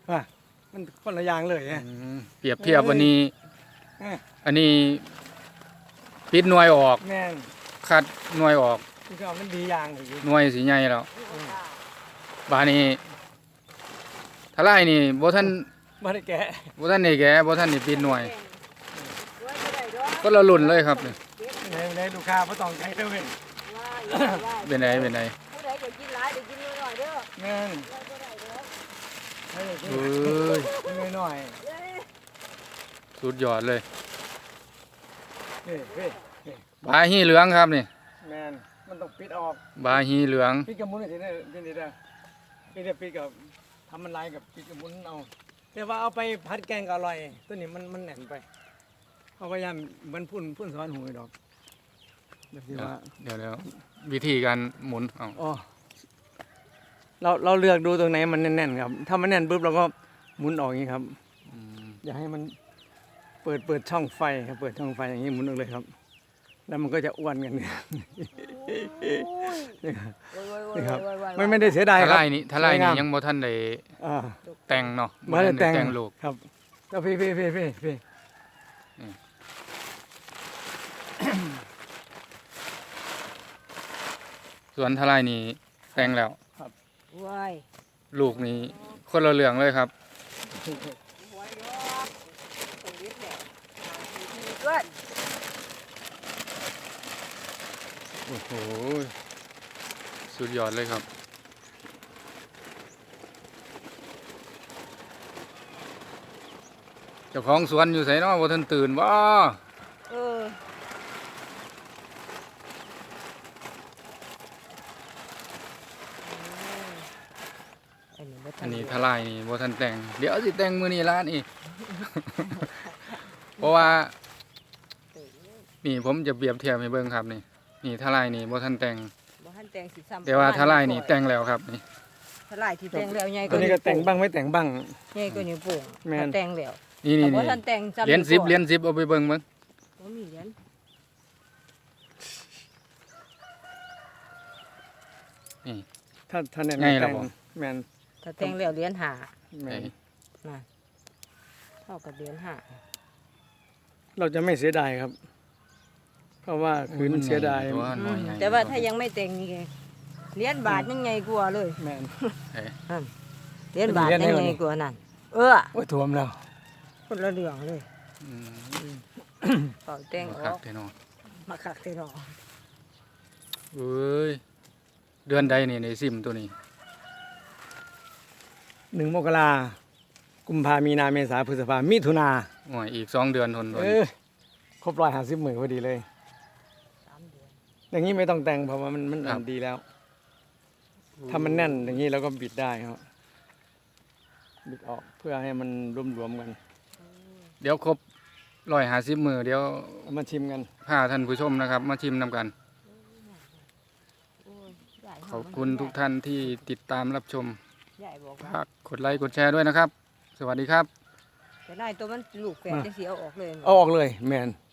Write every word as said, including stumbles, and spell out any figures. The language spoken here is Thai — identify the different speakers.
Speaker 1: ว่ามันคนละอย่างเลยไง
Speaker 2: อืมเปรียบเทียบวันนี้
Speaker 1: เอ้ย
Speaker 2: อันนี้ปิดหน่วยออก
Speaker 1: แม่น
Speaker 2: คัดหน่วยออก
Speaker 1: ที่ก็มันดีอย่างเลย
Speaker 2: หน่วยสีใหญ่แล้วบาดนี้ทลายนี่บ่ทัน
Speaker 1: ไม่ได้แกะ
Speaker 2: บ่ทันได้แกะบ่ทันได้ปิดหน่วยก็ละลุ่นเลยครับนี่
Speaker 1: ในในลูกค้าไม่ต้องใจเด้อเว้ย
Speaker 2: เป็นไดเป็นได
Speaker 3: ผู้ใดจะกินหลายจะกินน้อยๆเด้อ
Speaker 1: แม่น
Speaker 3: บ่ได้เด้อ
Speaker 1: ให้ได้กิน
Speaker 2: เอ้ย
Speaker 1: นิดหน่อย
Speaker 3: เด้อ
Speaker 2: สุดยอดเลย
Speaker 1: เฮ้ยเฮ้ยเฮ้ย
Speaker 2: บาฮีเหลืองครับนี่
Speaker 1: แม่นมันต้องปิดออก
Speaker 2: บาฮีเหลือง
Speaker 1: ปิดกับมุ้นทีนี้เป็นดีเด้อปิดเดี๋ยวปิดกับทำมันลายกับปิดกับมุ้นเอาแต่ว่าเอาไปผัดแกงก็อร่อยตัวนี้มันมันแหน่นไปเอาพยายามมันพุ่นพุ่นสอนหูดอกแบบที่ว่า
Speaker 2: เดี๋ยวเดี๋ยววิธีการหมุนเอา
Speaker 1: อ๋อเราเราเลือกดูตรงไหนมันแน่นๆครับ ถ้ามันแน่นปุ๊บเราก็หมุนออกอย่างนี้ครับ
Speaker 2: อืม
Speaker 1: อย่าให้มันเปิดเปิดช่องไฟครับเปิดช่องไฟอย่างนี้หมุนออกเลยครับ แล้วมันก็จะอ้วนกันเนี่ยนี่ครับ
Speaker 3: โอ้ยๆๆๆๆ
Speaker 1: นี่ครับไม่ไม่ได้เสียดาย
Speaker 2: ท
Speaker 1: ครับ
Speaker 2: ลายนี่ทลายนี่
Speaker 1: สวยงาม
Speaker 2: ยังบ่ทันได้
Speaker 1: อ่า
Speaker 2: แต่งเนาะ
Speaker 1: มาได้
Speaker 2: ทัน
Speaker 1: แต่ง
Speaker 2: แต่งลูก
Speaker 1: ครับก็พี่พี่พี่พี่พี่
Speaker 2: ส่วนทลายนี่แต่งแล้ว
Speaker 3: ว้าย
Speaker 2: ลูกนี่คนละเรื่องเลยครับ
Speaker 3: หวยดอกตรงนี้แหละเกิน
Speaker 2: โอ้โหสุดยอดเลยครับเจ้าของสวนอยู่ไสเนาะบ่ทันตื่นบ่
Speaker 3: เออ อันนี้บ่ทั
Speaker 2: อั
Speaker 3: น
Speaker 2: นนี้
Speaker 3: เดื
Speaker 2: ทลายนี่บ่ทันแต่งเดี๋ยวสิแต่งมื้อนี้ล่ะนี่ เพราะว่านี่ผมจะเปรียบเทียบให้เบิ่งครับนี่นี่ทลายนี่บ่ทันแต่ง
Speaker 3: บ่ทันแต่งสิซ้ำ
Speaker 2: แต่ว่าทลายนี่แต่งแล้วครับนี่
Speaker 3: ทลายที่แต่งแล้วใหญ่
Speaker 1: ตัวนี้ก็แต่งบ้างไม่แต่งบ้าง
Speaker 3: ใหญ่กว่านิ้วโป่ง
Speaker 1: แม่น
Speaker 3: แต่งแล้ว
Speaker 2: นี่นี่
Speaker 3: แต่บ่
Speaker 2: นี่
Speaker 3: ทันแต่งซ้ำ
Speaker 2: เหรียญสิบ
Speaker 3: วโป่ง
Speaker 2: เหรียญสิบเอาไปเบิ่งเบิ่ง
Speaker 3: บ่มีเหรียญ
Speaker 2: นี่
Speaker 1: ถ้าถ้าแน่น
Speaker 2: ไงล่ะ
Speaker 1: แต่ง
Speaker 2: บ่
Speaker 1: แมน
Speaker 3: ถ้าแต่งแล้วเหรียญห้า
Speaker 1: แมน
Speaker 3: น่ะเท่ากับเหรียญห้า
Speaker 1: เราจะไม่เสียดายครับ เพราะว่าคืนเสียดาย
Speaker 2: ตัวหน่อยใหญ่
Speaker 3: แต่ว่าถ้ายังไม่แต่งนี่ไงเหรียญบาทยังไงกว่าเลย
Speaker 1: แมน
Speaker 2: เอ้ย
Speaker 3: เหรียญบาท
Speaker 1: เหรียญ
Speaker 3: ยัง
Speaker 1: ไหนวะ
Speaker 3: ไง
Speaker 1: นี่
Speaker 3: กว่านั่นเออ
Speaker 1: โอ้ยท่วมแล้ว
Speaker 3: คนละเรื่องเลย
Speaker 2: อืม
Speaker 3: เป่าแต่ง
Speaker 2: บ่
Speaker 3: อ
Speaker 2: คั
Speaker 3: อก ก
Speaker 2: แท้เนาะ
Speaker 3: มาคักเตนอ
Speaker 2: เอ้ยเดือนใดนี่ในซิมตัวนี้
Speaker 1: หนึ่งมกรากุมภามีนาเมษาพฤษภามิถุนา
Speaker 2: โอ้ยอีกสองเดือนทนทน
Speaker 1: เออครบร้อยห้าสิบหมื่นพอดีเลย
Speaker 3: สามเดือน
Speaker 1: อย่างนี้ไม่ต้องแต่งเพราะว่ามันมันอ่อนดีแล้ว ถ้ามันแน่นอย่างนี้เราก็บิดได้ครับบิดออกเพื่อให้มันรวมๆกัน
Speaker 2: เดี๋ยวครบร้อยห้าสิบมือเดี๋ยว
Speaker 1: เอามาชิมกัน
Speaker 2: พาท่านผู้ชมนะครับ มาชิมนำกัน
Speaker 3: โอ้ยใหญ่
Speaker 2: ขอบคุณทุกท่านที่ติดตามรับชม
Speaker 3: ใหญ่บอกว่า
Speaker 2: ฝากกดไลค์กดแชร์ด้วยนะครับ สวัสดีครับ
Speaker 3: แต่นายตัวมันลูกแฝดจะเสียเอาออกเลย
Speaker 1: เอาออกเลยแมน